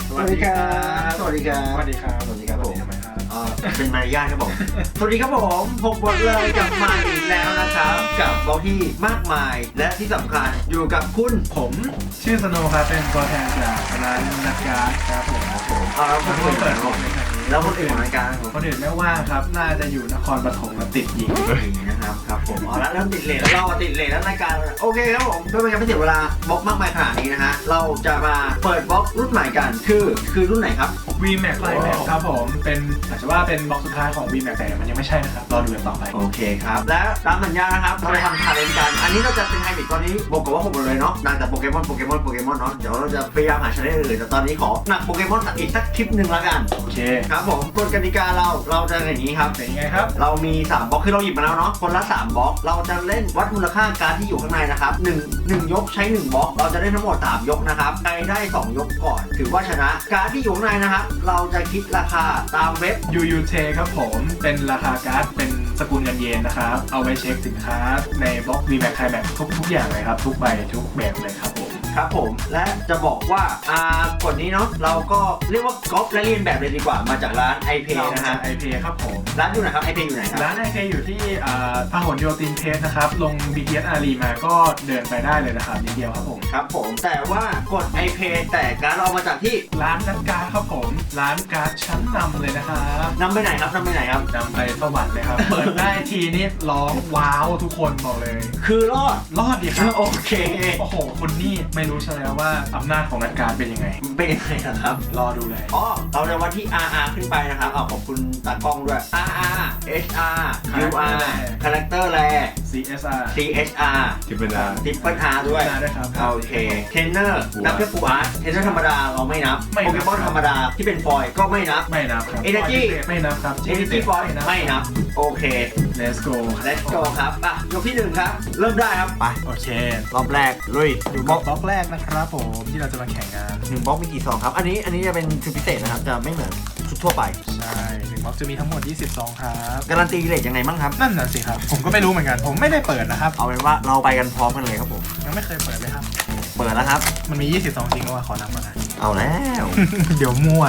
สวัสดีครับสวัสดีครับสวัสดีครับสวัสดีครับผมทำไมครับเป็นมารยาทครับผม สวัสดีครับผมพบบทเลยกลับมาอีกแล้วนะครับกับบล็อกที่มากมายและที่สำคัญอยู่กับคุณผมชื่อสโนว์ครับเป็นตัวแทนจากร้านนักการ์ดครับผมแล้วคนอื่นเปิดของในครั้งนี้แล้วคนอื่นของรายการของคนอื่นไม่ว่างครับน่าจะอยู่นครปฐมมาติดยิงนะครับครับผมแล้วเริ่มติดเลทแล้วเราติดเลทแล้วรายการโอเคครับผมเพื่อไม่ให้เสียเวลาบล็อกมากมายขนาดนี้นะฮะเราจะมาเปิดบล็อกรุ่นใหม่กันคือรุ่นไหนครับ VMAX Climax ครับผมเป็นอาจจะว่าเป็นบล็อกสุดท้ายของ VMAX แต่มันยังไม่ใช่นะครับรอดูกันต่อไปโอเคครับและตามสัญญานะครับเราจะทำชาเลนจ์กันอันนี้เราจะเป็นไฮบริดตอนนี้บอกกับว่าผมหมดเลยเนาะดังแต่โปเกมอนเนาะเดี๋ยวเราจะพยายามหาชาเลนจ์อื่นแต่ตอนนี้ขอหนักโปเกมอนอีกสักคลิปหนึ่งละกันโอเคครับผมกฎกติกาเราจะอย่างนี้ครับเป็นยังไงครับเรามี3บล็อกคือเราหยิบมาแล้วเนาะคนละ3บล็อกเราจะเล่นวัดมูลค่าการ์ดที่อยู่ข้างในนะครับ1ยกใช้1บล็อกเราจะได้ทั้งหมด3ยกนะครับใครได้2ยกก่อนถือว่าชนะการ์ดที่อยู่ข้างในนะครับเราจะคิดราคาตามเว็บ UUT ครับผมเป็นราคาการ์ดเป็นสกุลเงินเยนนะครับเอาไว้เช็คสินค้าในบล็อก VMAX Climax ทุกอย่างเลยครับทุกใบทุกแบบเลยครับผมครับผมและจะบอกว่ากฎนี้เนาะเราก็เรียกว่าก๊อปและเรียนแบบเลยดีกว่ามาจากร้าน iPay นะฮะ IP ครับผมร้านอยู่ไหนครับ iPay อยู่ไหนครับร้าน IP อยู่ที่พหลโยธินเพชรนะครับลง BTS อารีมาก็เดินไปได้เลยนะครับนิดเดียวครับผมครับผมแต่ว่ากด iPay แต่การดเรามาจากที่ร้านนักการ์ดครับผมร้านการ์ดชั้นนำเลยนะครับนำไปไหนครับนำไปไหนครับนำไปสวรรค์เลยครับ เปิดได้ทีนี่ร้องว้าวทุกคนบอกเลยคือรอดรอดดีครับโอเคโอ้โหคุณนี่ไม่รู้ใช่แล้วว่าอำนาจของนักการ์ดเป็นยังไงเป็นยังไงนะครับรอดูเลยอ๋อเราจะวัดที่ RR ขึ้นไปนะครับขอบคุณตากล้องด้วย RR HR UR Character Rare CSR CHR ที่เป็นร้าน Triple R ด้วยได้ครับโอเคเทรนเนอร์นับแค่ฟูอาร์ตเทรนเนอร์ธรรมดาเราไม่นับไม่นับโปเกมอนธรรมดาที่เป็นฟอยล์ก็ไม่นับไม่นับครับ Energy ไม่นับครับ Energy Fอยล์ไม่นับโอเค Let's go Let's go ครับยกที่1ครับเริ่มได้ครับไปโอเครอบแรกลุยอยู่กับบล็อกแรกนะครับผมที่เราจะมาแข่งงาน 1บล็อกมีกี่ซองครับอันนี้จะเป็นชุดพิเศษนะครับจะไม่เหมือนชุดทั่วไปใช่1บล็อกจะมีทั้งหมด20ซองครับการันตีเรทยังไงบ้างครับนั่นน่ะสิครับ ผมก็ไม่รู้เหมือนกัน ผมไม่ได้เปิดนะครับเอาเป็นว่าเราไปกันพร้อมกันเลยครับผมยังไม่เคยเปิดเลยครับเปิดแล้วครับมันมี20ซองจริงก็ว่าขอนับก่อนนะเอาแล้วเดี๋ยวมั่ว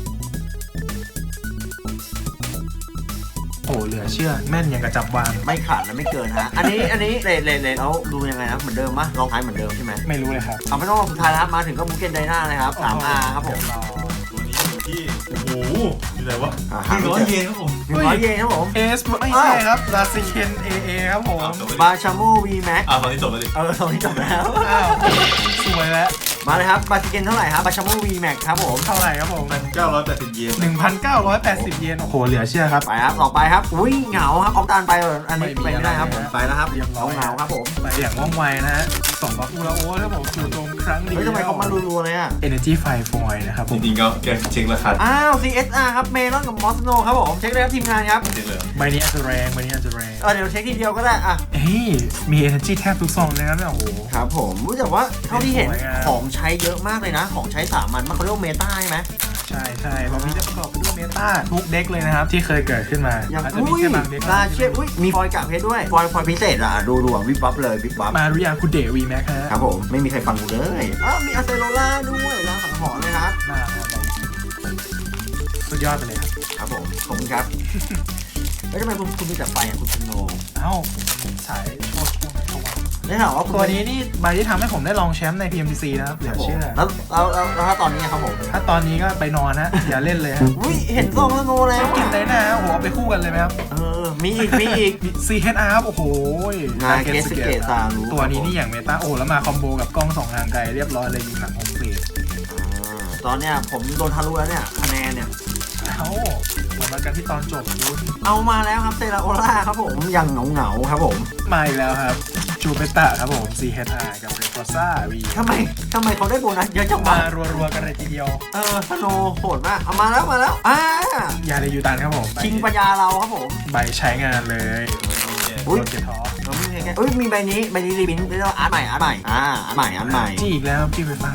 โอ้เหลือเชื่อแม่นอย่างกระจับวางไม่ขาดและไม่เกินฮะอันนี้เรทแล้วดูยังไงนะเหมือนเดิมปะลองท้ายเหมือนเดิมใช่ไหมไม่รู้เลยครับเอาไม่ต้องรอสุดท้ายแล้วครับมาถึงก็บุกเกนไดนาเลยครับ 3R ครับผมตัวนี้อยู่ที่ โอ้โหอยู่ไหนวะหาไม่เจอ 100 เยนครับผม 100 เยนครับผมเอสไม่ใช่ครับลาซิเคนเอครับผมอ้าวจบบาแล้วชาโมวีแม็กตอนนี้จบแล้วดิตอนนี้จบแล้วอ้าวสวยแล้วมาเลยครับบาชิเกนเท่าไหร่ครับบาชาโมวีแม็กครับผมเท่าไหร่ครับผม 980 เยน 1,980 เยน โอ้โห เหลือเชื่อครับไปครับต่อไปครับอุ้ยเหงาครับออกตานไปอันนี้ไปไม่ได้ครับผมไม่มีอะไรไปแล้วครับเรียบร้อยเหงาครับผมไปอย่างว่องไวนะฮะ2บล็อกอูราโอครับผมสู่ตรงครั้งเดียวเฮ้ยทำไมเขามารัวๆเลยอ่ะ Energy Fire Foil นะครับผจมริงๆก็แกเช็คราคาอ้าว CSR ครับเมลอนกับมอสโนครับผมเช็คเลยครับทีมงานครับเช็คเลยใบนี้อาจจะแรงใบนี้อาจจะแรงเดี๋ยวเช็คทีเดียวก็ได้อ่ะเฮ้ยมี Energy แทบทุกซองเลยนะเนี่ยโอ้โหครับผมรู้แต่ว่าเท่าที่เห็นสวยงามของใช้เยอะมากเลยนะ ของใช้สามัญมันเขาเรียกว่าเมตาใช่ไหมใช่ใช่บล็อกนี้จะประกอบไปด้วยเมตาทุกเด็กเลยนะครับ ที่เคยเกิดขึ้นมาอย่างอาจจะมีอุ้ยแค่บางเด็กลาเชียอุ้ยมีฟอยล์กะเพชรด้วยฟอยล์พิเศษอ่ะดูอ่ะวิบวับเลยวิบวับมารุยาคุเดวีแม็กฮะครับผมไม่มีใครฟังกูเลยมีอาเซโรล่าด้วยร้านสังหรณ์เลยครับน่ารักมากสุดยอดไปเลยครับครับผมขอบคุณครับแล้วทำไมคุณมีแต่ไฟอ่ะคุณสโนว์เอ้าสายโชว์ช่วงไหนเขาวะได้ข่าวว่าคุณตัวนี้นี่ใบที่ทำให้ผมได้รองแชมป์ใน PMTC นะครับเหลือเชื่อแล้วถ้าตอนนี้ครับผมถ้าตอนนี้ก็ไปนอนฮะ อย่าเล่นเลยฮะอุ้ยเห็นซองสโนว์แล้วกินได้นะโอ้โหเอาไปคู่กันเลยไหมครับมีอีก CHR ครับโอ้โหงานเกสเกตซารุตัวนี้นี่อย่างเมตาโอ้โหแล้วมาคอมโบกับกล้อง2ทางไกลเรียบร้อยเลยยิงหลังโฮมเฟสตอนเนี้ยผมโดนทะลุแล้วเนี่ยคะแนนเนี่ยเอ้ามาวัดกันที่ตอนจบคุณเอามาแล้วครับเซราโอล่าครับผมยังเหงาครับผมมาอีกแล้วครับจูเปตาครับผม CHR กับเรฟอร์ซ่า V ทำไมเขาได้โบนัสเยอะจังวะมารัวๆกันเลยทีเดียวสโนว์โหดมากเอามาแล้วยาเดยูตันครับผมชิงปัญญาเราครับผมใบใช้งานเลยอุ๊ยโดนเกตท็อปมีใบนี้รีบินเรียกว่าอาร์ตใหม่อาร์ตใหม่จี้อีกแล้วพี่ไฟฟ้า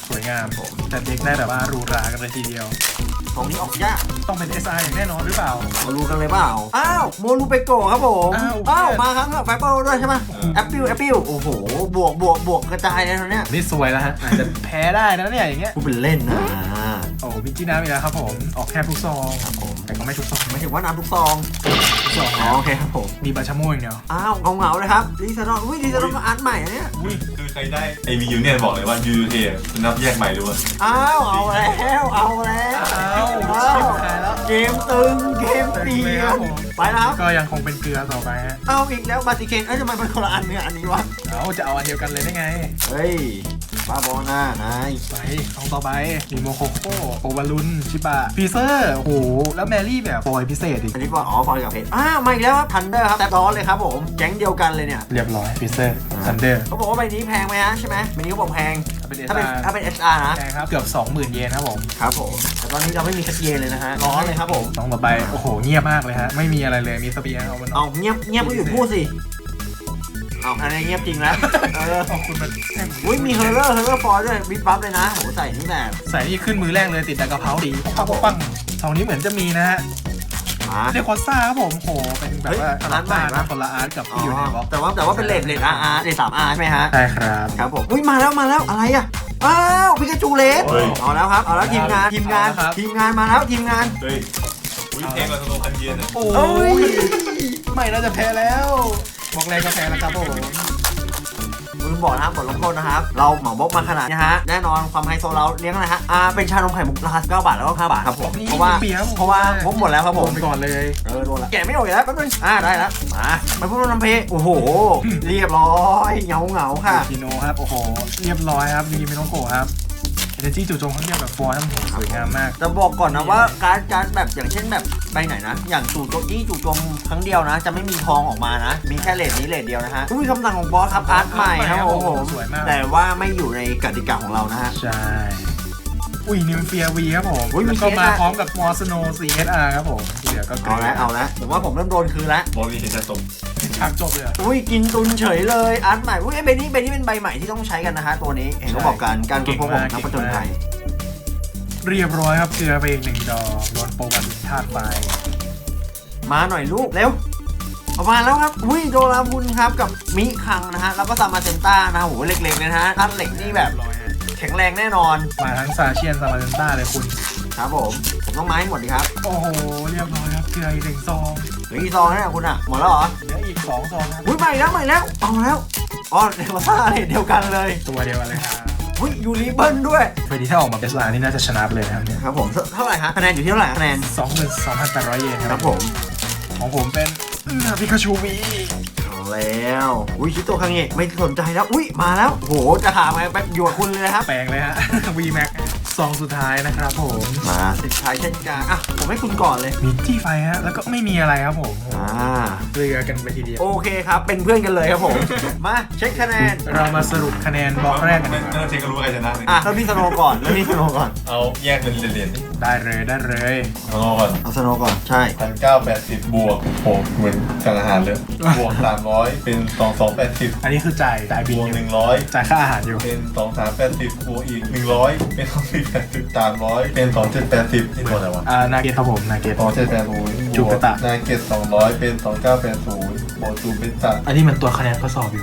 สวยงามผมแต่เด็กได้แบบว่าหรูหรากันเลยทีเดียวตรงนี้ออกยากต้องเป็น SR อย่างแน่นอนหรือเปล่ามารู้กันเลยเปล่าอ้าวโมรูเปโกะครับผมอ้าวมาครับไฟเปิลด้วยใช่ไหมแอปปิวโอ้โหบวกกระจายเลยตอนเนี้ยนี่สวยแล้วฮะอาจจะแพ้ได้นะเนี่ยอย่างเงี้ยพูดเป็นเล่นนะโอ้มิกกี้น้ำอีกแล้วครับผมออกแค่ทุกซองครับผมแต่ก็ไม่ทุกซองไม่ถึงว่าน้ำทุกซองทุกซองอ๋อโอเคครับผมมีบาชาโม่อย่างเดียวอ้าวเงาเลยครับลิซาดอนลิซาดอนก็อาร์ตใหม่อันเนี้ยอุ้ยคือใครได้ไอมียูเนี่ยบอกเลยว่ายูเทเป็นนับแยกใหม่ด้วยอ้าวเอาแล้วชิบหายแล้วเกมตึงเกมเปลี่เลยยครับนผมไปแล้วครับก็ยังคงเป็นเกลือต่อไปฮะเอาอีกแล้วบาติเคนทำไมมันคนละอันเนี่ยอันนี้วะเอาจะเอาอันเดียวกันเลยได้ไงเฮ้ยบ้าบอหน้านายไปซองต่อไปมีโมโคโค่โอวารุนชิบะฟีเซอร์โอ้โหแล้วแมรี่แบบฟอยพิเศษอีกอันนี้ก่อนอ๋อฟอยกับเพชรมาอีกแล้วครับทันเดอร์ครับแต่ร้อนเลยครับผมแก๊งเดียวกันเลยเนี่ยเรียบร้อยฟีเซอร์ซันเดอร์เขาบอกว่าใบนี้แพงไหมฮะใช่ไหมใบนี้เขาบอกแพงเป็นถ้าเป็น SR ถ้าเป็น SR นะแพงครับเกือบ 20,000 เยนครับผมครับผมแต่ตอนนี้เราไม่มีคัดเยนเลยนะฮะร้อนเลยครับผมซองต่อไปโอ้โหเงียบมากเลยฮะไม่มีอะไรเลยมีสเปียร์เอามันเอาเงียบก็อยู่พูดสิเอาอันนี้เงียบจริงนะขอบคุณมันอุ้ยมีเฮอร์เรอร์ฟอยด้วยบิ๊กบัฟเลยนะโหใส่นี่แบบใส่นี่ขึ้นมือแรกเลยติดแต่กระเพราดีปังซองนี้เหมือนจะมีนะฮะมาเดคอซ่าครับผมโหเป็นแบบว่าอาร์ตใหม่นะคนละอาร์ตกับที่อยู่ในบล็อกแต่ว่าเป็นเลทRR เลท3R ใช่ไหมฮะใช่ครับครับผมอุ้ยมาแล้วอะไรอ่ะอ้าวพิกาจูเลสเอาแล้วครับเอาแล้วทีมงานมาแล้วทีมงานเฮ้ยอุ้ยแพงกว่าสโนว์คันเย็นอะโอ้เอ้ยยไม่น่าจะแพ้แล้วบอกแรงก็แพ้แล้วครับผมลืมบอกนะครับบทลงโทษนะครับเราเหมาบล็อกมาขนาดนี้ฮะแน่นอนความไฮโซเราเลี้ยงอะไรฮะเป็นชานมไข่มุกราคา9 บาทแล้วก็5 บาทครับผมเพราะว่างบหมดแล้วครับผมไปก่อนเลยโดนละแกะไม่ออกอีกแล้วแป๊บนึงได้แล้วมาพูดน้ำเพโอ้โหเรียบร้อยเงาค่ะกิโนครับโอ้โหเรียบร้อยครับมีมิโนโกะครับเอเนจีจู่โจมข้างเดียวแบบฟอยล์ทั้งหมดสวยงามมากจะบอกก่อนนะว่าการแบบอย่างเช่นแบบใบไหนนะอย่างจู่โจมครั้งเดียวนะจะไม่มีทองออกมานะมีแค่เลทนี้เลทเดียวนะฮะอุ้ยคำสั่งของบอสครับอาร์ตใหม่ครับผมสวยมากแต่ว่าไม่อยู่ในกติกาของเรานะฮะใช่อุ้ยนิวเฟียวีครับผมอุ้ยมีแล้วก็มา CSR พร้อมกับมอสโน CSR ครับผมที่เหลือก็เอาละผมว่าผมเริ่มโดนคืนแล้วบอลนี้เห็นจะตกฉากจบเลยอะอุ้ยกินตุนเฉยเลยอาร์ตใหม่อุ้ยใบนี้เป็นใบใหม่ที่ต้องใช้กันนะฮะตัวนี้เห็นเขาบอกการค้นพบของนักผจญภัยเรียบร้อยครับเกลือไปอีก1 ดอกโดนโปรบันธาตุไฟมาหน่อยลูกเร็วออกมาแล้วครับอุ้ยโดราบุญครับกับมิคังนะฮะแล้วก็ซามาเซนต้านะโหเล็กๆเลยนะฮะท่านเหล็กนี่แบบเรียบร้อยฮะแข็งแรงแน่นอนมาทั้งซาเชียนซามาเซนต้าเลยคุณครับผมต้องไม้หมดดีครับโอ้โหเรียบร้อยครับเกลืออีก1 ซองเหลือกี่ซองแล้วเนี่ยคุณอ่ะหมดแล้วเหรอเหลืออีก2 ซองครับอุ้ยใหม่แล้วเอาแล้วอ๋อเดลต้าเนี่ยเดียวกันเลยตัวเดียวกันเลยครับอุ้ยยูริเบิลด้วยเฟรดี้ถ้าออกมาเอสลานี่น่าจะชนะไปเลยนะครับเนี่ยครับผมเท่าไหร่ฮะคะแนนอยู่ที่เท่าไหร่คะแนน 22,800 เยนคครัรับบ ผมของผมเป็นพิคาชูวีเอาแล้วอุ้ยชิโตคังเงะไม่สนใจแล้วอุ้ยมาแล้วโหจะถามไงไปอยู่กับคุณเลยนะครับแปลงเลยฮะ V Max ซองสุดท้ายนะครับผมมาสิทธิ์ชายเช่นกันอ่ะผมให้คุณก่อนเลยมีที่ไฟฮะแล้วก็ไม่มีอะไรครับผม เกลือกันไปทีเดียวโอเคครับเป็นเพื่อนกันเลยครับผม มาเช็คคะแนนเรามาสรุปคะแนนบล็อกแรกกันไม่ดีกต้อว่างเช็คก็รู้ใครชนะเลยเริ่มที่สโนว์ก่อนเอาแยกเป็นเหรียญได้เลยสโนว์ก่อนเอาสโนว์ก่อนใช่ 1,980บวกโหเหมือนสั่งอาหารเลยบวก300เป็น2280 อันนี้คือจ่ายบิบนวกอยู่ 100 จ่ายค่าอาหารอยู่เป็น2380บวกอีก100เป็น2480 300เป็น2780นี่หมดอะไรวะนาเกตครับผมนาเกต 2780 จูเปตะนาเกต200เป็น2980บวกจูเปตะอันนี้มันตัวคะแนนข้อสอบอยู่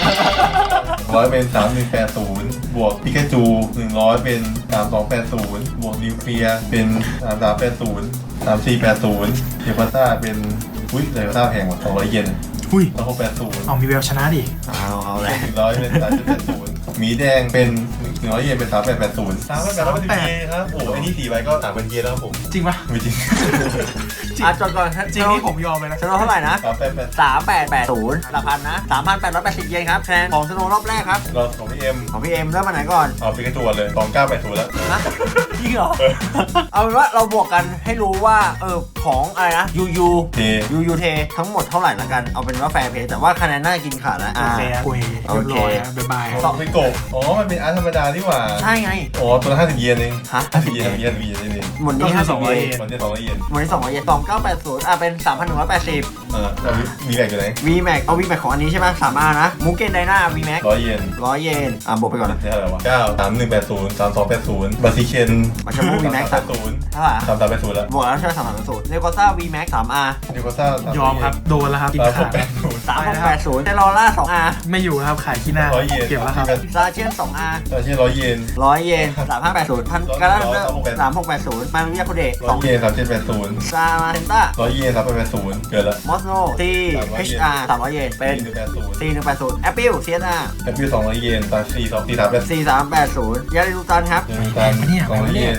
100เป็น3180บวกปิกาจู100เป็น3280บวกนิวเคลียร์เป็น3380 3480เดลต้าเป็นอุ้ยเดลต้าแพงกว่า200 เยนหุ้ย 2680 เอามีแววชนะดิเอาเลย 100เป็น3780หมีแดงเป็น100 เยนเป็น3880 3880เยนครับโอ้ไอ้นี่4ใบก็3,000 เยนแล้วครับผมจริงปะไม่จริงจดก่อนจริงนี่ผมยอมเลยนะสโนว์เท่าไหร่นะ 3880 3880หลักพันนะ3,880 เยนครับคะแนนของสโนว์รอบแรกครับเราของพี่เอ็มของพี่เอ็มเริ่มมาไหนก่อนเอาปิกาจูเลย2980แล้วนะจริงเหรอ เอาเป็นว่าเราบวกกันให้รู้ว่าของอะไรนะยูเททั้งหมดเท่าไหร่ละกันเอาเป็นว่าแฟร์เพย์แต่ว่าคะแนนน่าจะกินขาดแล้วโอเคครับโอเคเรียบร้อยนะบ๊ายบายครับสองไม่โกะอ๋อมันเป็นอาร์ตธรรมดานี่หว่าใช่ไงอ๋อตัวละ50 เยนเองฮะ 50 เยน50 เยน50 เยนนี่หมดนี้ก็คือ 50 200 เยนมันจะ200 เยนหมดนี้200 เยน2980เป็น 3,180 เอามีแบกอยู่ไหน VMAX เอา VMAX ของอันนี้ใช่ไหม3R นะมูเกนไดนา VMAX 100 เยน 100 เยนบวกไปก่อนนะนี่เท่าไหร่วะ9 3180 3280บาซิเคนมาชาบู VMAX 3380 เท่าไหร่ 3380แล้วบวกแล้วใช่ไหม3,380เรโกซ่า VMAX 3R นิโคซ่ายอมครับโดนแล้วครับกินขาด 3680เทลอร่า 2R ไม่อยู่แล้วครับขายขี้หน้า 100 เยนเก็บแล้วครับซาเชียน 2R ซาเช่100 เยน 100 เยน 3580พันกาลาเดอร์3680มารุยาโคเดะ 100 เยน3780 ซามาเซนต้า 100 เยน3880เกินละมอสโนทีHR 300 เยนเป็น 4180 4180 Apple CSR แอปเปิล200 เยนตา4380 4380ยาริลูตันครับยังมีตัน200 เยน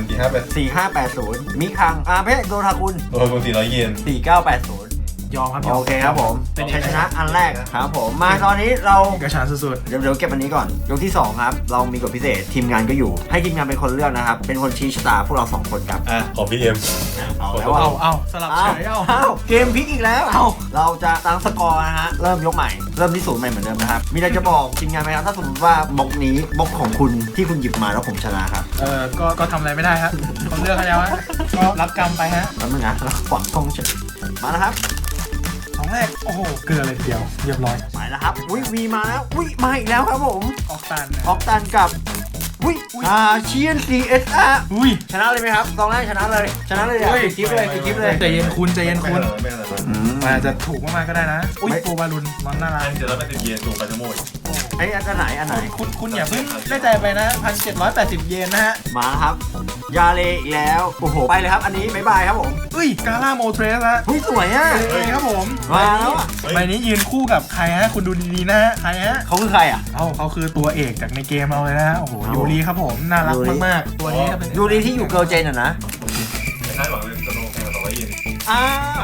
4580 4580มิคังเพชรโดทากุนตัวคุณ400 เยน 4980 ยอมครับโอเคครับผมเป็นชัยชนะอันแรกครับผมมาตอนนี้เราเอกฉันท์สุดเดี๋ยวเก็บอันนี้ก่อนยกที่ 2 ครับ เรามีกฎพิเศษทีมงานก็อยู่ ให้ทีมงานเป็นคนเลือกนะครับ เป็นคนชี้ชะตาพวกเรา 2 คนครับอ่ะของพี่เอ็มเอาแล้วๆว่าเอาสลับเฉยเอาเกมพลิกอีกแล้วเราจะตั้งสกอร์นะฮะเริ่มยกใหม่เริ่มที่ศูนย์ใหม่เหมือนเดิมนะครับมีอะไรจะบอกทีมงานไหมครับถ้าสมมติว่าบล็อกนี้บล็อกของคุณที่คุณหยิบมาแล้วผมชนะครับก็ทำอะไรไม่ได้ฮะเขาเลือกให้แล้วฮะก็รับกรรมไปฮะแล้วมึงนะแล้วขวางทงเฉยมาแล้วครับสองแรกโอ้โหเกลือเลยทีเดียวเรียบร้อยไปแล้วครับวีมาแล้วมาอีกแล้วครับผมออกตันนะออกตันกับเชียน CSR อุ้ยชนะเลยไหมครับตอนแรกชนะเลยอะปิดคลิปเลยใจเย็นคุณใจเย็นคุณไม่อะไรมันอาจจะถูกมากๆก็ได้นะอุ้ยโปรบาลุนมันน่ารักอันเดี๋ยวเราไป10 เยนถูกไปทั้งหมดไอ้อันไหนคุณอย่าเพิ่งได้ใจไปนะ1,780 เยนนะฮะมาครับยาเลอีกแล้วโอ้โหไปเลยครับอันนี้บ๊ายบายครับผมอุ้ยกาล่าโมเทรสฮะหุ้ยสวยอ่ะเฮ้ยครับผมมาแล้วอ่ะใบนี้ยืนคู่กับใครฮะคุณดูดีๆนะฮะใครฮะเขาคือใครอ่ะเขาคือตัวเอกจากในเกมเราเลยนะฮะโอ้โหยูรีครับผมน่ารักมากๆตัวนี้ก็เป็นยูรีที่อยู่เกิร์ลเจนอ่ะนะไม่คาดหวังเลยสโนว์แข่งกับ200 เยนอ้าว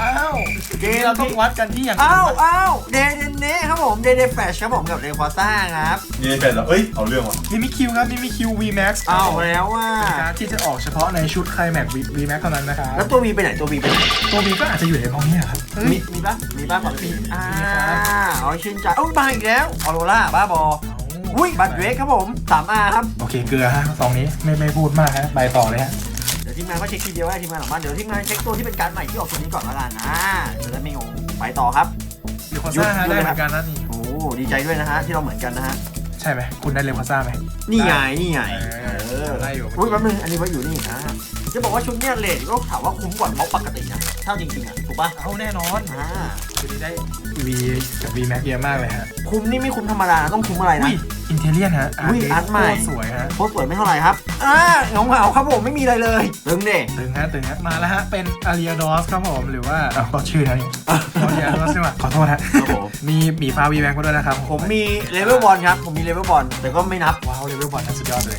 เกมเราต้องวัดกันที่อย่างอ้าวเดเดเน่ครับผมเดแฟชครับผมกับเรควาซ่าครับเยนเป็นแล้วเอ้ยเอาเรื่องว่ะมิมิคิวครับมิมิคิว VMAX อ้าวแล้วว่าเป็นการ์ดที่จะออกเฉพาะในชุดไคลแม็ก VMAX เท่านั้นนะครับแล้วตัววีไปไหนตัววีไปไหนตัว V ก็อาจจะอยู่ในพวกนี้ครับเฮ้ยมีปะฝั่งนี้มีครับอ๋อชื่นใจมาอีกแล้วออโรล่าบ้าบออุ้ยบัตรเวกครับผม 3R ครับโอเคเกลือฮะซองนี้ไม่พูดมากฮะไปต่อเลยฮะเดี๋ยวทีมงานก็เช็คทีเดียวให้ทีมงานหลังบ้านเดี๋ยวทีมงานเช็คตัวที่เป็นการ์ดใหม่ที่ออกตัวนี้ก่อนละกันจะได้ไม่งงไปต่อครับเรควาซ่าฮะได้เหมือนกันนะนี่โอ้ดีใจด้วยนะฮะที่เราเหมือนกันนะฮะใช่ไหมคุณได้เรควาซ่าไหมนี่ไงได้อยู่อุ้ยแป๊บนึงอันนี้ไว้อยู่นี่จะบอกว่าชุดเนี้ยเลทก็ถามว่าคุ้มกว่าบล็อกปกตินะเท่าจริงๆอ่ะถูกป่ะเอาแน่นอนอ่าคือนี้ได้ V กับ VMAX เยอะมากเลยฮะคุ้มนี่ไม่คุ้มธรรมดานะต้องคุ้มอะไรนะอุ้ยอินเทเลียนฮะอุ้ยอาร์ตใหม่สวยฮะโคตรสวยไม่เท่าไหร่ครับเงาครับผมไม่มีอะไรเลยตึงเด้ตึงฮะมาแล้วฮะเป็นอาริอาดอสครับผมหรือว่าก็ชื่อนะนี่อาริอาดอสใช่ไหมขอโทษฮะครับผมมีหมีฟ้า VMAX มาด้วยนะครับผมมีเลเวลบอลครับผมมีเลเวลบอลแต่ก็ไม่นับว้าวเลเวลบอลนั้นสุดยอดเลย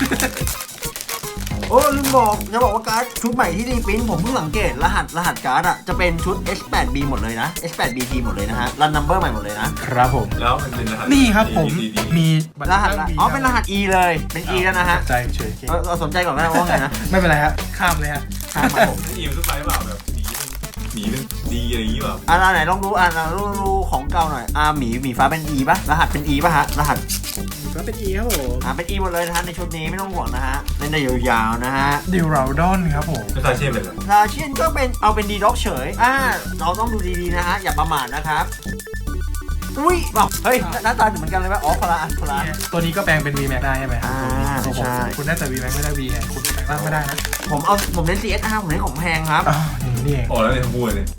โอ้ลืมบอกจะบอกว่าการ์ดชุดใหม่ที่รีปรินท์ผมเพิ่งสังเกตรหัสการ์ดอ่ะจะเป็นชุด S8B หมดเลยนะ S8BT หมดเลยนะฮะรันนัมเบอร์ใหม่หมดเลยนะครับผมแล้วมันเป็นรหัสนี่ครับผมมีบัตรหัสเลือก V เป็นรหัส E เลยเป็น E แล้วนะฮะใจเฉยเราสนใจก่อนก็ได้ว่าไงนะไม่เป็นไรฮะข้ามเลยฮะข้ามมาผมอีมทุกไฟเปล่าแบบหมีเป็นดีอะไรอย่างงี้เปล่าไหนลองดูดูของเก่าหน่อยหมีฟ้าเป็น E ป่ะรหัสเป็น E ป่ะฮะรหัสก็เป็น E ครับผมเป็น E หมดเลยนะฮะในชุดนี้ไม่ต้องห่วงนะฮะเล่นได้ยาวๆนะฮะดิวราดอนครับผมไม่ซาเช่เป็นอะไรลาเชียนก็เป็นดีด็อกเฉยเราต้องดูดีๆนะฮะอย่าประมาทนะครับอุ้ยบอกเฮ้ยหน้าตาเหมือนกันเลยป่ะอ๋อพลาตัวนี้ก็แปลงเป็น VMAX ได้ใช่ไหมใช่คุณได้แต่ VMAX ไม่ได้ V ไงคุณแปลงร่างไม่ได้นะผมเล่น CSR ผมเล่นของแพงครับอ๋อนี่เองอ๋อแล้วเนี่ยทั้งคู่เลย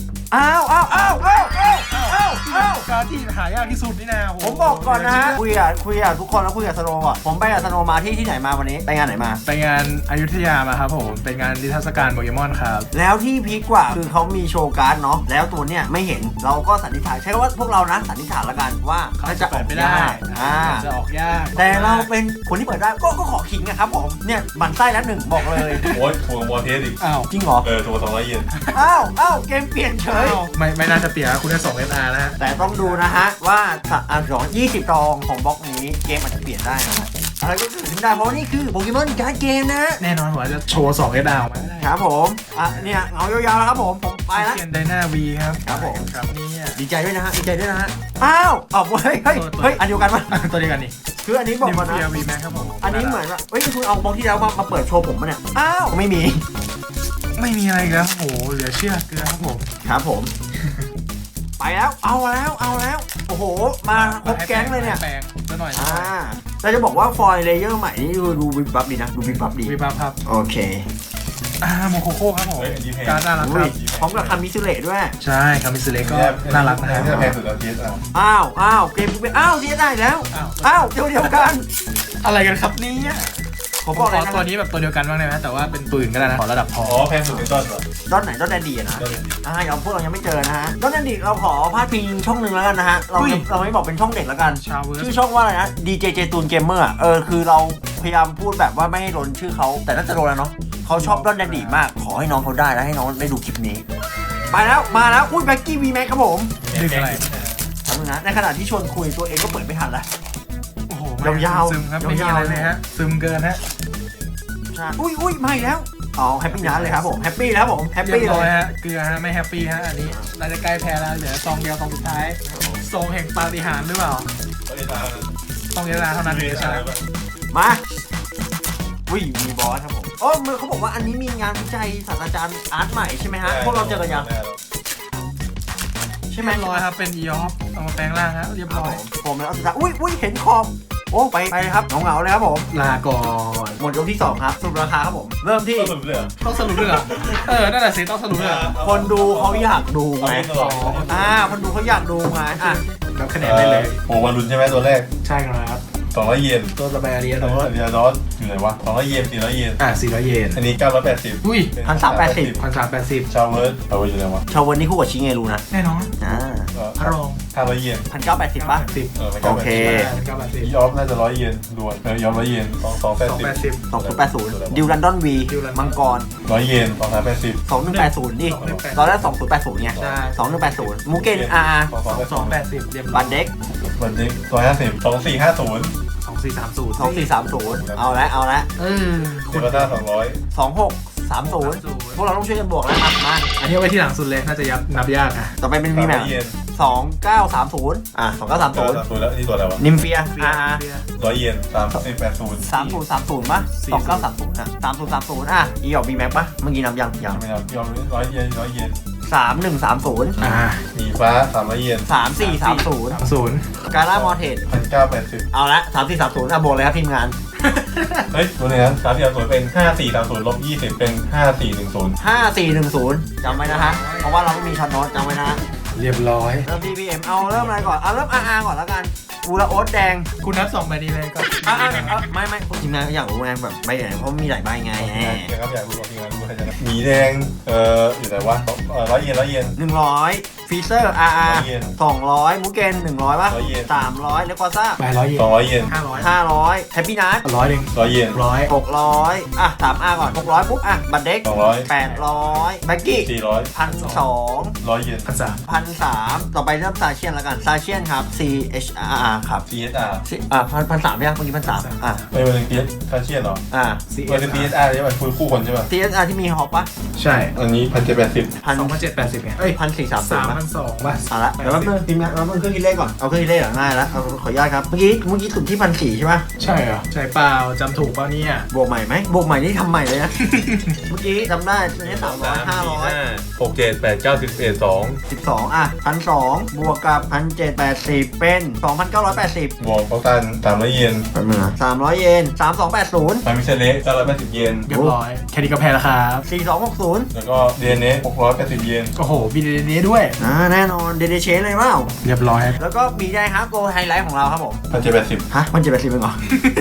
การที่หายากที่สุดนี่นะผมบอกก่อนนะฮะคุยกับทุกคนแล้วคุยกับสโนว์ก่อนผมไปกับสโนว์มาที่ไหนมาวันนี้ไปงานไหนมาไปงานอยุธยามาครับผมเป็นงานนิทรรศการโปเกมอนครับแล้วที่พีคกว่าคือเขามีโชว์การ์ดเนาะแล้วตัวเนี้ยไม่เห็นเราก็สันนิษฐานใช้คำว่าพวกเรานะสันนิษฐานละกันว่าน่าจะออกยากจะออกยากแต่เราเป็นคนที่เปิดได้ก็ขอขิงนะครับผมเนี่ยหมันไส้แล้วหนึ่งบอกเลยโอ้ยถูกวอร์เทสอีกอ้าวจริงเหรอถูก200 เยนเกมเปลี่ยนเฉยไม่น่าจะเปลี่ยนคุณได้2 SR นะฮะแต่ต้องดูนะฮะว่า20 ตองของบล็อกนี้เกมอาจจะเปลี่ยนได้นะฮะอะไรก็เกิดขึ้นได้เพราะนี่คือโปเกมอนการ์ดเกมนะแน่นอนผมอาจจะโชว์2 S ดาวมาได้ครับผมเนี่ยเงายาวๆแล้วครับผมไปแล้วเขียนไดนาวีครับครับผมครับนี่ดีใจด้วยนะฮะดีใจด้วยนะฮะอ้าวเฮ้ยอันเดียวกันปะตัวเดียวกันนี่คืออันนี้บอกก่อนนะนิวเคลียร์วีแม็กครับผมอันนี้เหมือนว่าเฮ้ยคุณเอาบล็อกที่แล้วมาเปิดโชว์ผมมาเนี่ยอ้าวไม่มีไม่มีอะไรอีกแล้วโอ้โหเหลือเชื่อเกลือครับผมครับผม ไปแล้วเอาแล้วโอ้โหมาครบแก๊งเลยเนี่ยแปลงซะหน่อยแต่จะบอกว่าฟอยล์เลเยอร์ใหม่นี่ดูวิบวับดีนะดูวิบวับดีวีบับครับโอเคโมโคโค่ครับผมเฮ้ยอันนี้แพงการน่ารักครับพร้อมกับคามิสุเละด้วยใช่คามิสเลก็น่ารักนะคนี่รับแพงสุดแล้วทีอ่ะอ้าวเกมกูเป็นเสียได้แล้วอ้าวเดียวกันอะไรกันครับเนี่ยผมขบอกอเลยนะตัวนี้แบบตัวเดียวกันบ้างได้ไหมแต่ว่าเป็นปืนก็ได้นะขอระดับพออ๋อแพงสุดในต้นเหรอด้านไหนด้านแดนดีอะนะต้นเลยดิอย่างพวกเรายังไม่เจอนะฮะด้านแดนดีเราขอพาดพิงช่องหนึ่งแล้วกันนะฮะเราไม่บอกเป็นช่องเด็กแล้วกันชาวเวิร์ชื่อช่องว่าอะไรนะ DJ เจตูนเกมเมอร์คือเราพยายามพูดแบบว่าไม่ให้โดนชื่อเขาแต่น่าจะโดนแล้วเนาะเขาชอบด้านแดนดีมากขอให้น้องเขาได้แล้วให้น้องได้ดูคลิปนี้ไปแล้วมาแล้วอุ้ยแบ็กกี้วีแม็กครับผมดึงอะไรทำนะในขณะที่ชวนคุยตัวเองก็เปิดไม่ทันแล้วโอ้โหยาวๆซึมครับไม่มีอะไรเลยฮะซึมเกินฮะใช่อุ้ยมาอีกแล้วแฮปปี้นัทเลยครับผมแฮปปี้แล้วผมแฮปเรีปี้ยบเลร้อยยฮะเกลือฮะไม่แฮปปี้ฮะอันนี้น่าจะใกล้แพ้แล้วเหลือซองเดียวซองสุดท้ายซองแห่งปาฏิหาริย์หรือเปล่าเฮ้ยตาต้องเวลาเท่านั้นมีเลยใช่ใช่ไหไหมมมามีบอสครับผมมือเขาบอกว่าอันนี้มีงานวิจัยศาสตราจารย์อาร์ตใหม่ใช่ไหมฮะพวกเราเจอกันยังใช่ไหมเรียบร้อยครับเป็นอีออฟเอามาแปลงร่างฮะเรียบร้อยผมแล้วสุดท้ายอุ้ยเห็นขอบไปเลยครับเหงาเลยครับผมลาก่อนหมดยกที่2ครับสรุปราคาครับผมเริ่มที่ต้นสุดเลยเหรอต้องสรุปด้วยเหรอนั่นแหละสิต้องสรุปด้วยเหรอคนดูเขาอยากดูไงเอาตลอดคนดูเขาอยากดูไงรับคะแนนได้เลยโอ้วันรุนใช่ไหมตัวแรกใช่ครับ 200 เยนตัวสบายอารียแล้เนาะวเรียดอสอยู่ไหนวะ200 เยน400 เยน 400 เยนอันนี้980 อุ้ย 1,380 1,380 ชาวเวิร์ดอยู่ไหนวะชาววันนี้คู่กับชิเงรูนะแน่นอน พระรอง 500 เยน 1,980ป่ะ 10 โอเคอีออฟน่าจะ100 เยนรวมอีออฟ100 เยน280 2080ดิวลันดอนวีมังกร 100 เยน280 2180ดิตอนแรก2080ไงใช่ 2180มูเกน 280เรียบร้บัอยนเด็กวันนี้150 2450 2430 เอาละเดลต้า200 2630พวกเราต้องช่วยกันบวกแล้วครับมาอันนี้เอาไว้ที่หลังสุดเลยน่าจะนับยากอ่ะต่อไปเป็นมีแม 300 เยน 29302930 แล้วนี่ตัวอะไรวะนิมเฟีย 100 เยน3080 3030ป่ะ29303030อีออกบีแม็กป่ะเมื่อกี้นับยังไม่นับยอม100 เยน100 เยน 3130 หมีฟ้า300 เยน 3430 30 กาล่ามอเทส 1980 เอาละ3430บวกเลยครับทีมงานเฮ้ยตัวนี้นะ3430เป็น5430ลบ20เป็น5410 5410จำไว้นะฮะเพราะว่าเราไม่มีช็อตโน้ตจำไว้นะฮะเรียบร้อยเริ่มที่ PM เอาเริ่มอะไรก่อนเริ่ม RR ก่อนแล้วกันอูระโอ๊ตแดงคุณนับ2ใบนี้เลยก็ไม่ทีมงานก็อยากรู้ไงแบบใบไหนเพราะมีหลายใบไงครับอยากรู้ที่งานรู้ให้จะหมีแดงอยู่ไหนวะ100 เยน100 เยน 100ฟีเซอร์ RR 100 เยน 200มูเกน100ป่ะ 100 เยน 300เลกวาซ่าใบ100 เยน 200 เยน 500 500แฮปปี้นัท 100หนึ่ง 100 เยน 100 6003R ก่อน600ปุ๊บบัตรเด็ก 200 800แบ็กกี้ 400 1,200 100 เยน 1,300 1,300ต่อไปเริ่มซาเชียนแล้วกันซาเชียนครับ CHR ครับ CSR 1,300ยังเมื่อกี้1,300 ไม่เป็นเพียสคาเชียนเหรอมันเป็น CSR ใช่ไหมคู่คนใช่ป่ะ CHR ที่มีฮอปป่ะใช่อันนี้1780 2,780ไงเอ้ย 1,430ป่ะ 3,200ป่ะเอาละเดี๋ยวแป๊บนึงทีมงานเราเครื่องคิดเลขก่อนเอาเครื่องคิดเลขง่ายแล้วเอาขออนุญาตครับเมื่อกี้สุดที่1,400ใช่ป่ะใช่เหรอใช่เปล่าจำถูกเปล่าเนี่ยบวกใหม่ไหมบวกใหม่นี่ทำใหม่เลยนะ เมื่อกี้จำได้อันนี้300 500 6 7 8 9 10 11 2 121,200บวกกับ1,780เป็น2,980 บวกเขาตัน300 เยนแป๊บนึงนะ300 เยน3280 ทามิเชเล่980 เยนเรียบร้อยแค่นี้ก็แพ้แล้วครับ 4260 แล้วก็ DNA 680 เยนโอ้โหมีเนี้ด้วยแน่นอนเดเดเชนเลยเปล่าเรียบร้อยแล้วก็มีได้ฮะโกไฮไลท์ของเราครับผม 1780 ฮะมันจะเป็น10เป็นเหรอ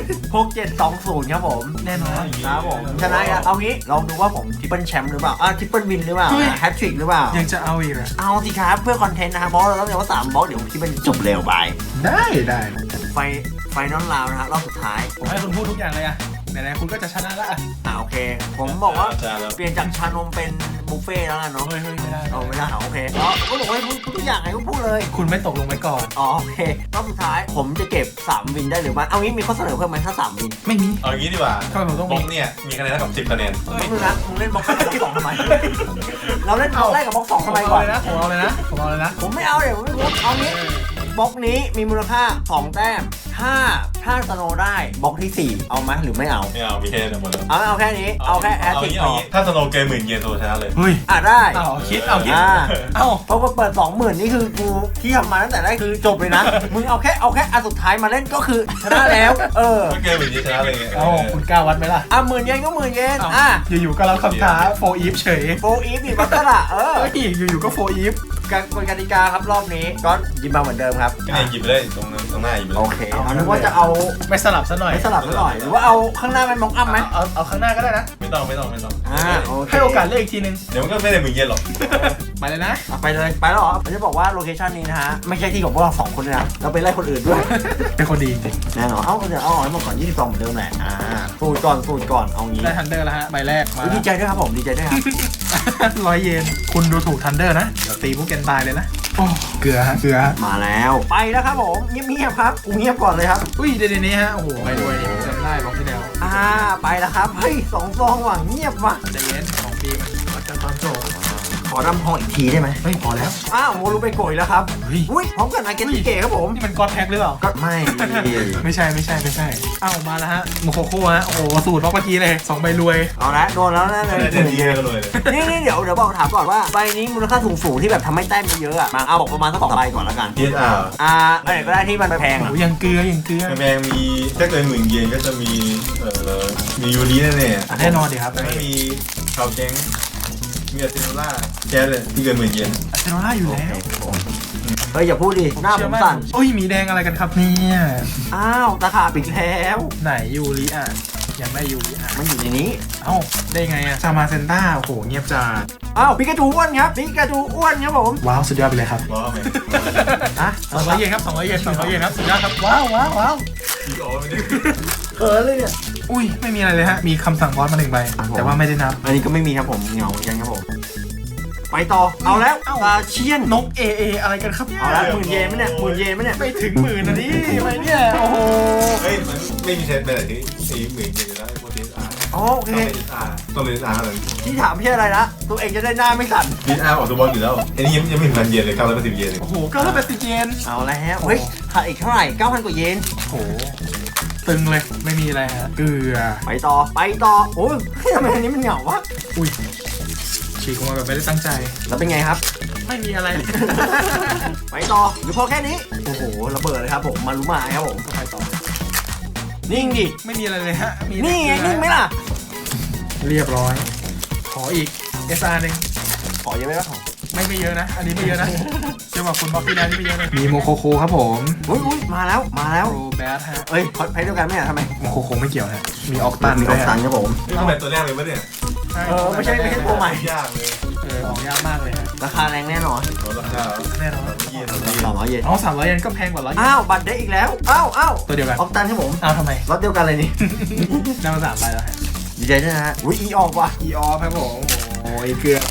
6720ครับผมแน่นอนครับผมชนะกันเอางี้ลองดูว่าผมทริปเปิลแชมป์หรือเปล่าทริปเปิลวินหรือเปล่าเฮ้ยแฮตทริกหรือเปล่ายังจะเอาอีกเหรอเอาสิครับเพื่อคอนเทนต์นะครับเพราะเราต้องเรียกว่า3บล็อกเดี๋ยวที่มันจบเร็วไปได้ไฟนอลราวนะฮะรอบสุดท้ายผมให้คุณพูดทุกอย่างเลยอะไหนๆคุณก็จะชนะละโอเค ผมบอกว่าจานแล้วเปลี่ยนจากชานมเป็นบุฟเฟ่ต์แล้วกันเนาะเฮ้ยไม่ได้เอาไม่ได้เหรอโอเคก็บอกว่าให้พูดทุกอย่างไงก็พูดเลยคุณไม่ตกลงไว้ก่อนโอเครอบสุดท้ายผมจะเก็บ3วินได้หรือไม่เอางี้มีข้อเสนอเพิ่มไหมถ้า3วินไม่มีเอางี้ดีกว่าทำไมผมต้องบมีล็อกเนี่ยมีคะแนนเท่ากับ10คะแนนไม่รู้นะมึงเล่นบล็อกแรกกับบล็อกสองทำไมเราเล่นบล็อกแรกกับบล็อกสองทำไมก่อนผมเอาเลยนะผมเอาเลยนะผมไม่เอาเดี๋ยวผมไม่พูดเอางี้บล็อกนี้มีมูลค่า2แต้มถ้าสโนว์ได้บล็อกที่4เอาไหมหรือไม่เอาไม่เอามีแค่นี้หมดแล้วเอาแค่นี้เอาแค่แอสซิสเอาต์งี้ถ้าสโนว์เกม10,000 เยนโซชนะเลยเฮ้ยได้เอาคิดเพราะว่าเปิด 20,000นี่คือกูที่ทำมาตั้งแต่แรกคือจบเลยนะมึงเอาแค่อันสุดท้ายมาเล่นก็คือชนะแล้วก็เกม10,000 เยนชนะเลยไงเอาคุณกล้าวัดไหมล่ะ 10,000 เยนก็10,000 เยนอยู่ๆก็รับคำท้าโฟอีฟเฉยโฟอีฟอีกบัตเตอร์ละอยู่ๆก็โฟอีฟกฎกติกาครับรอบนี้ก็ยิมมาเหมือนเดิมครับก็เนี่ยหยิบไปเลยตรงหน้าหยิบไปเลยโอเคนึกว่าจะเอาไม่สลับซะหน่อยไม่สลับซะหน่อยหรือว่าเอาข้างหน้าเป็นมองอัพไหมเอาข้างหน้าก็ได้นะไม่ต้องโอเคให้โอกาสเลือกอีกทีนึงเดี๋ยวมันก็ไม่ได้10,000 เยนหรอกไปเลยนะไปเลยไปแล้วเหรอผมจะบอกว่าโลเคชันนี้นะฮะไม่ใช่ที่ของพวกเรา2คนเลยนะเราไปไล่คนอื่นด้วยเป็นคนดีจริงแน่นอนเดี๋ยวเอาให้หมดก่อน22เหมือนเดิมแหละสูตรก่อนเอางี้ได้ทันเดอร์แล้วฮะใบแรกมาดีใจด้วยครับผมดีใจด้วยครับ 100 เยนคุณดูถูกทันเดอร์นะเดี๋ยวตีพวกแกนตายเลยนะโอ้เกลือฮะมาแล้วไปแล้วครับผมเงียบๆครับกูเงียบก่อนเลยครับอุ้ยเดี๋ยวนี้ฮะโอ้โหไปด้วยนี่ผมจำได้บอกที่แล้วไปแล้วครับเฮ้ย2 ซองว่ะเงียบว่ะใจเย็นของปีมันวัดกันตอนโจบขอดำทองอีกทีได้ไหมเฮ้ยพอแล้วโมรูไปโกยแล้วครับเฮ้ยอุ้ยพร้อมกับนายเกติเกครับผมนี่มันกอดแพ็คหรือเปล่าก็ไม่ไม่ใช่อ้าวมาแล้วฮะโมโคโค่ฮะโอ้โหสูตรบล็อกเมื่อกี้เลย2 ใบรวยเอาละโดนแล้วนะเลยไม่ได้10,000 เยนก็เลยนี่เดี๋ยวบอกถามก่อนว่าใบนี้มูลค่าสูงที่แบบทำให้แต้มเยอะๆมาเอาบอกประมาณสัก2 ใบก่อนแล้วกัน PSR อะไรก็ได้ที่มันแพงโอ้ยังเกลือแมงมีถ้าเกิน10,000 เยนก็จะมียูริแน่ๆแน่นอนดิครับแล้วก็มีชาวแก๊งมีอาร์เซโนล่าแก๊สเลยที่เกิน10,000 เยนอาร์เซโนล่าอยู่แล้วเฮ้ยอย่าพูดดิหน้าผมสั่นโอ้ยมีแดงอะไรกันครับเนี่ยตะขาบอีกแล้วไหนยูริอ่ะยังไม่ยูริอ่ะมันอยู่ในนี้เอ้าได้ไงอ่ะชามาเซนต้าโอ้โหเงียบจัดปิกาจูอ้วนครับปิกาจูอ้วนครับผมว้าวสุดยอดไปเลยครับว้าวแม่ง 200 เยนครับ200 เยนครับสุดยอดครับว้าวพี่อ๋อไม่ได้เออเลยเนี่ยอุ้ยไม่มีอะไรเลยฮะมีคำสั่งบอสมา1 ใบแต่ว่าไม่ได้นับอันนี้ก็ไม่มีครับผมเหงายังครับผมไปต่อเอาแล้วเชียนนก AA อะไรกันครับเนี่ยเอาแล้ว10,000 เยนไหมเนี่ย10,000 เยนไหมเนี่ยไม่ถึง10,000นะนี่ทำไมเนี่ยโอ้โหเฮ้ยมันไม่มีเซตไปไหนที่40,000 เยนอยู่แล้วไอ้พวก PSR โอเคต้องเป็น SR เท่านั้นที่ถามไม่ใช่อะไรนะตัวเองจะได้หน้าไม่สั่น PSR ออกตัวบอลอยู่แล้วอันนี้ยังไม่ถึง1,000 เยนเลย980 เยนเลยโอ้โห980 เยนเอาแล้วเฮ้ยขาดอีกเท่าไหร่ 9,000 กว่าเยนโอ้โหตึงเลยไม่มีอะไรฮะเกลือไปต่อโอ้ยทำไมอันนี้มันเหงาวะอุ้ยฉีกออกมาแบบไม่ได้ตั้งใจแล้วเป็นไงครับไม่มีอะไรไปต่อหรือพอแค่นี้โอ้โหระเบิดเลยครับผมมารุมาครับผมก็ไปต่อนิ่งดิไม่มีอะไรเลยฮะมีนี่ไงนิ่งไหมล่ะเรียบร้อย ขออีก SR หนึ่งขอเยอะไหมครับผมไม่เยอะนะ อันนี้ไม่เยอะนะเชื่อว่าคุณบล็อกที่แล้วนี่ไม่เยอะเลยมีโมโคโคครับผมอุ้ยมาแล้วโรแบทฮะเอ้ยพอดไพ่เดียวกันไหมอะทำไมโมโคโคไม่เกี่ยวฮะมีออกตันมีด้อวอย กฮะตันครับผมนี่ต้องเป็นตัวแรกเลยปะเนี่ยไม่ใช่ตัวใหม่ยากเลยออกยากมากเลยฮะราคาแรงแน่นอนราคาแน่นอนเยน 200 เยนอ๋อ300 เยนก็แพงกว่า100 อ้าวบัตรได้อีกแล้วอ้าวตัวเดียวกันออกตันครับผมอ้าวทำไมรถเดียวกันเลยนี่ได้มา3 ใบแล้วฮะดีใจด้วยนะฮะอุ้ยอีออกว่ะอีออฟครับผมโอ้ยเกลือ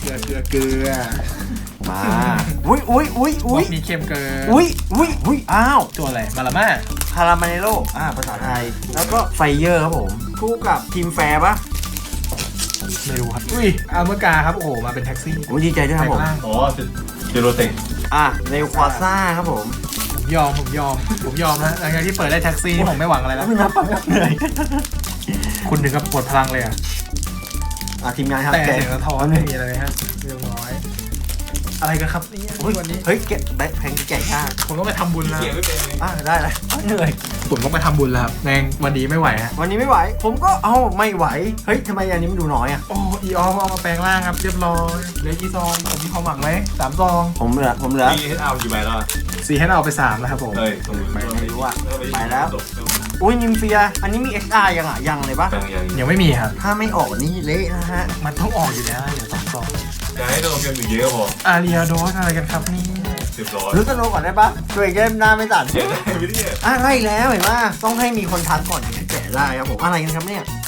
มาอุ้ยบล็อกนี้เข้มเกินอุ้ยอ้าวตัวอะไรมาลาม่าคาราเมโลภาษาไทย แล้วก็ไฟเยอร์ครับผม คู่กับทีมแฟร์ปะไม่รู้ครับอุ้ยอัลเมอร์กาครับโอ้โหมาเป็นแท็กซี่อุ้ยดีใจด้วยครับผมแปลงร่างอ๋อเจโรเต็กเนวควาซ่าครับผมผมยอมนะหลังจากที่เปิดได้แท็กซี่นี่ผมไม่หวังอะไรแล้วไม่นับปังเหนื่อยคุณถึงกับปวดพลังเลยอ่ะทีมงานครับแต่แกะเสียงสะท้อนไม่มีอะไรเลยฮะเรียบร้อยอะไรกันครับเนี่ยวันนี้เฮ้ยแกะแบ็คแพงแกะยากผมต้องไปทำบุญแล้วเขียนไม่เป็นเลยได้แล้วเหนื่อยผมต้องไปทำบุญแล้วครับแรงวันนี้ไม่ไหวฮะวันนี้ไม่ไหว ผมก็ไม่ไหว เฮ้ยทำไมอันนี้มันดูน้อยอ่ะโอ้อีออฟเอามาแปลงร่างครับเรียบร้อยเหลือกี่ซองผมมีความหวังไหม3 ซองผมเหลือมีเฮดเอากี่ใบแล้ว 4ให้เราเอาไป3แล้วครับผมเฮ้ยตรงไม่รู้อะไปแล้ว อุ้ยนิมเฟีย อันนี้มี XR ยังเลยปะยังไม่มีครับถ้าไม่ออกนี่เละนะฮะมันต้องออกอยู่แล้วเดี๋ยว2 ซองจะให้โดนเกม1 เยอะพออารีอาโดสอะไรกันครับนี่ 10 รู้สโนก่อนได้ปะตัวเองจะหน้าไม่สั่นเขียนได้ไม่ได้ไล่แล้วเห็นปะต้องให้มีคนทักก่อนถึงจะแกะได้ครับผม อะไรกันครับเนี่ย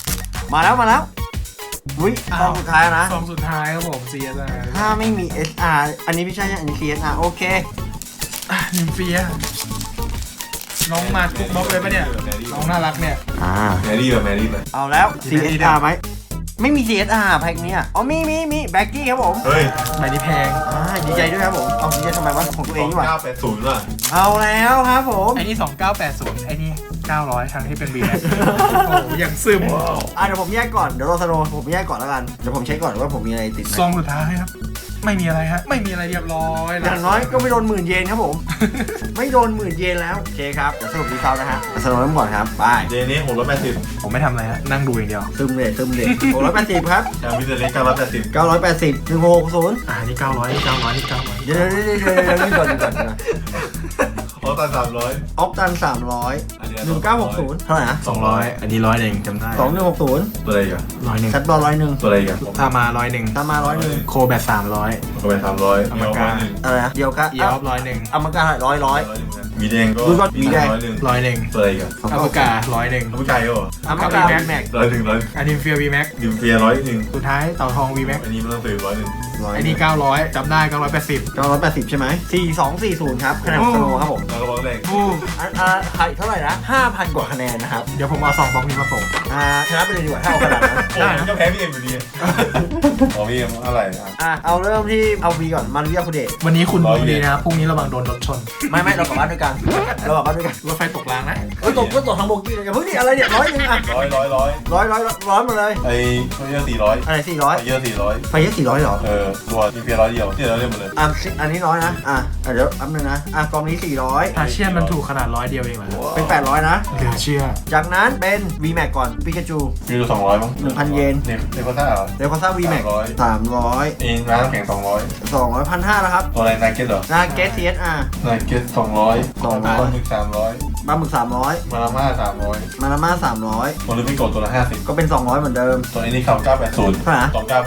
มาแล้วอุ้ยซองสุดท้ายนะซองสุดท้ายครับผม CSR ถ้าไม่มี SR อันนี้ไม่ใช่อันนี้ CSR โอเคนิมเฟียน้องมาทุกบล็อกเลยปะเนี่ยน้องน่ารักเนี่ยแมรี่ไหมเอาแล้ว CSR ไหมไม่มี CSR แพ็คเนี้ยอ๋อมีแบ็กกี้ครับผมเฮ้ยใบนี้แพงดีใจด้วยครับผมเอาดีใจทำไมวะของตัวเองดีกว่า 980ว่ะเอาแล้วครับผมไอ้นี่2980ไอ้นี่900ทั้งที่เป็น VMAX โอ้โหอย่างซึมเดี๋ยวผมแยกก่อนเดี๋ยวรอสโนผมแยกก่อนแล้วกันเดี๋ยวผมเช็คก่อนว่าผมมีอะไรติดไหมซองสุดท้ายครับ ไม่มีอะไรฮะไม่มีอะไรเรียบร้อยอย่างน้อยก็ไม่โดน10,000 เยนครับผม ไม่โดน10,000 เยนแล้วโอเคครับเดี๋ยวสรุปดีเซลนะฮะสโนเริ่มก่อนครับไปเดนี้680 ผมไม่ทำอะไรฮะนั่งดูอย่างเดียวซึมเลย680ครับชาวิเซเล็ก980 980 1660 นี่900นี่900นี่900 เดี๋ยวนี่ก่อนออตัน300 ออกตัน300 1960เท่าไหร่นะ 200อันนี้100เองจำได้ 2160 ตัวอะไรอีกัน 100 แซดบอล101 ตัวอะไรอีกันถ้ามา100 ตามมา101 โคแบต300 ก็ไป300 อเมริกาอะไรนะเดียวกันเอียบ100 อเมริกา100 มีแดงก็ดูก่อนมีแดง 100 ตัวอะไรอีกันอเมริกา100 น้ำใจก็อเมริกาแม็ก 100 อันนี้เฟีย VMAX นิวเฟีย100 สุดท้ายเต่าทอง VMAX อันนี้มันต้องซื้อ100 ไอ้นี่900จำได้980 980ใช่ไหม4240ครับคะแนนของสโนครับผมแล้วก็บอกแรกใครเท่าไหร่นะ 5,000 กว่าคะแนนนะครับเดี๋ยวผมเอา2บล็อกนี้มาส่งชนะไปเลยดีกว่าถ้าเอาขนาดนั้นผมจะแพ้พี่เอ็มอยู่ดีอ๋อพี่เอ็มอะไรครับเอาเริ่มที่เอาวีก่อนมันเรียกคุณเดชวันนี้คุณดูดีนะครับพรุ่งนี้ระวังโดนรถชนไม่เรากลับบ้านด้วยกันเรากลับบ้านด้วยกันรถไฟตกรางนะตกทางโบกี้เลยอย่าเพิ่งดิอะไรเนี่ย100อ่ะ 100 100มาเลยไอ้ตัวเยอะ400 อะไรเยอะ400 400ไฟเยอะ400เหรอตัวนิวเฟีย100เดียวที่เราเล่นหมดเลยอันนี้100นะเดี๋ยวอัพนึงนะกองนี้ทาเชียนมันถูกขนาด100เดียวเองเหรอ 400เป็น800นะเหลือเชื่อจากนั้นเป็น VMAX ก่อนปิกาจูมีดู200มั้ง 1,000 เยนเนฟซ่าเหรอเดลคอซ่า VMAX 300 เองร้านน้ำแข็ง200 200 1,500นะครับตัวอะไรนาเก็ตเหรอนาเกส CSR นาเก็ต200 200 ปลาหมึก300 ปลาหมึก300 มาลาม่า300 มาราม่า300 โมลิฟิโกตัวละ50 ก็เป็น200เหมือนเดิมตัวนี้เขา980 เท่าไหร่นะ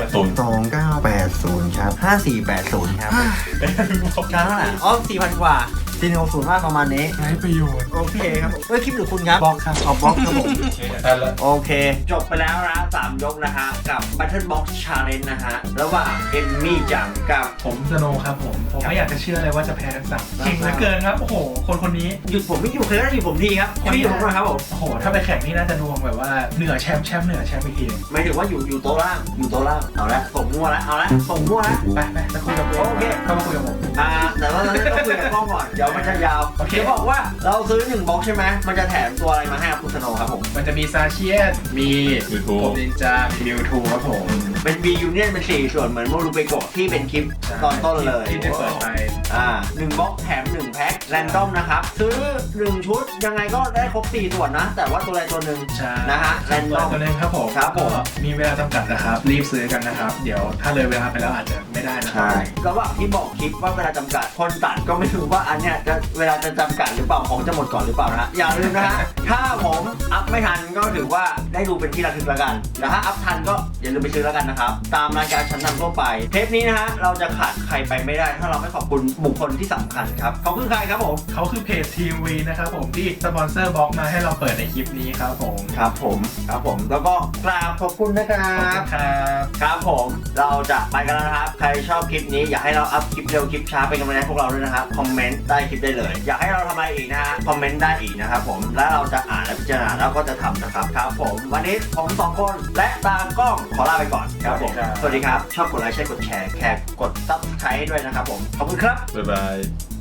2980 2980ครับ5480ครับการเท่าไหร่4,000 กว่า460มากประมาณนี้ไร้ประโยชน์โอเคครับคลิปหรือคุณครับบล็อกครับบล็อกครับผมได้แล้วโอเค จบไปแล้วนะ3 ยกนะฮะกับ Battle Box Challenge นะฮะระหว่างเอมมี่จังกับผมสโนว์ครับผมไม่อยากจะเชื่อเลยว่าจะแพ้ทั้งสามเก่งเหลือเกินครับโอ้โหคนนี้หยุดผมไม่อยู่เคยได้หยุดผมทีครับคนที่อยู่ผมนะครับผมโอ้โหถ้าไปแข่งนี่น่าจะดวงแบบว่าเหนือแชมป์เหนือแชมป์อีกทีหมายถึงว่าอยู่โต๊ะล่างเอาละส่งมั่วแล้วส่งมั่วแล้วไปจะคุยกับโอเคเข้ามาคุยกับผมแต่ว่าเราต้องคุยกับกล้องก่อนเดี๋ยวมันจะยาวเดี๋ยวบอกว่าเราซื้อ1 บล็อกใช่ไหมมันจะแถมตัวอะไรมาให้ครับคุณสโนว์ครับผมมันจะมีซาเชียนมีผมนินจามีมิวทูครับผมเป็น B Union เป็น4ส่วนเหมือนโมรูเปโกะที่เป็นคลิปตอนต้นเลยที่ได้เปิดไป 1 บล็อกแถม1 แพ็คแรนดอมนะครับซื้อ1 ชุดยังไงก็ได้ครบ4 ส่วนนะ แต่ว่าตัวใดตัวหนึ่งนะฮะแรนดอมตัวนึงครับผมครับผมมีเวลาจำกัดนะครับรีบซื้อกันนะครับเดี๋ยวถ้าเลยเวลาไปแล้วอาจจะไม่ได้นะใช่ระหว่างที่บอกคลิปว่าเวลาจำกัดคนตัดก็ไม่รู้ว่าอันเนี้ยจะเวลาจะจำกัดหรือเปล่าของจะหมดก่อนหรือเปล่านะฮะอย่าลืมนะฮะถ้าผมอัพไม่ทันก็ถือว่าได้ดูเป็นที่ระลึกแล้วกันแต่ถ้าอัพทันก็อย่าลืมไปซื้อแล้วกันนะครับตามรายการชั้นนำทั่วไปเทปนี้นะฮะเราจะขาดใครไปไม่ได้ถ้าเราไม่ขอบคุณบุคคลที่สำคัญครับเขาคือใครครับผมเขาคือเพจทีวีนะครับผมที่สปอนเซอร์บล็อกมาให้เราเปิดในคลิปนี้ครับผมครับผมแล้วก็กราบขอบคุณนะครับครับครับผมเราจะไปกันแล้วนะครับใครชอบคลิปนี้อยากให้เราอัพคลิปเร็วคลิปช้าเป็นกำลังใจให้พวกเราด้วยนะครับคอมเมนต์ใต้คลิปได้เลยอยากให้เราทำอะไรอีกนะฮะคอมเมนต์ได้อีกนะครับผมแล้วเราจะอ่านและพิจารณาแล้วก็จะทำนะครับครับผมวันนี้ผม2 คนและตามกล้องขอลาไปก่อนครับผมสวัสดีครับชอบกดไลค์ใช่กดแชร์กด Subscribe ให้ด้วยนะครับผมขอบคุณครับบ๊ายบาย